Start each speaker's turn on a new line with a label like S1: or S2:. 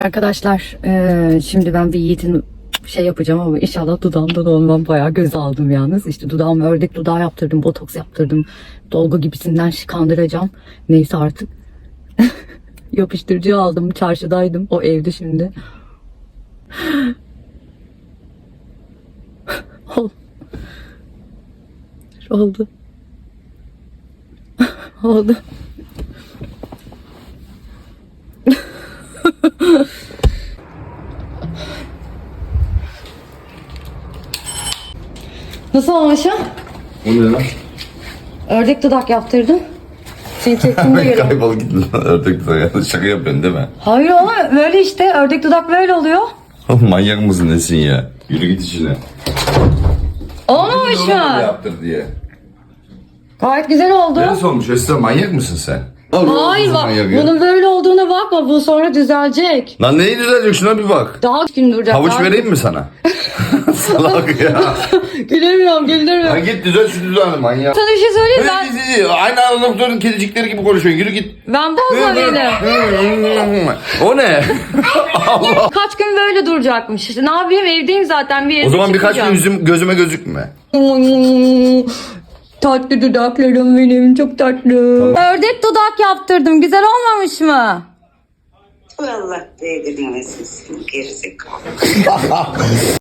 S1: Arkadaşlar şimdi ben bir Yiğit'in şey yapacağım ama inşallah dudağımdan olmam, bayağı göz aldım yalnız. İşte dudağıma ördek dudağı yaptırdım, botoks yaptırdım. Dolgu gibisinden kandıracağım. Neyse artık. Yapıştırıcı aldım, çarşıdaydım. O evde şimdi. Oldu. Oldu. Nasıl olmuşum?
S2: O ne lan?
S1: Ördek dudak yaptırdım. Seni çektiğimde göre.
S2: Kaybol git lan, ördek dudak. Şaka yapıyorsun değil mi?
S1: Hayır ama böyle işte ördek dudak böyle oluyor.
S2: Manyak mısın nesin ya? Yürü git işine.
S1: Olmamış
S2: Oğlum
S1: mı?
S2: yaptır diye.
S1: Gayet güzel oldu.
S2: Neresi olmuş? Esra manyak mısın sen?
S1: Hayır bak, bunun böyle olduğuna bakma, bu sonra düzelecek.
S2: Lan neyi düzelecek, şuna bir bak.
S1: Daha gün duracak.
S2: Havuç
S1: daha...
S2: vereyim mi sana? Salak ya.
S1: Gülemiyorum, güldürmüyorum.
S2: Lan git düzel şu dudağını manyak.
S1: Sana bir şey söyleyeyim ben.
S2: Aynı anda doktorun kedicikleri gibi konuşuyorsun. Yürü git.
S1: Ben bozma beni.
S2: O ne? Allah.
S1: Kaç gün böyle duracakmış. İşte ne yapayım, evdeyim zaten, bir yere
S2: O zaman birkaç gün
S1: çıkmayacağım.
S2: yüzüm gözüme gözükme.
S1: Tatlı dudaklarım benim, çok tatlı. Ördek dudak yaptırdım, güzel olmamış mı?
S3: Allah değdirmesin seni gerizekalı.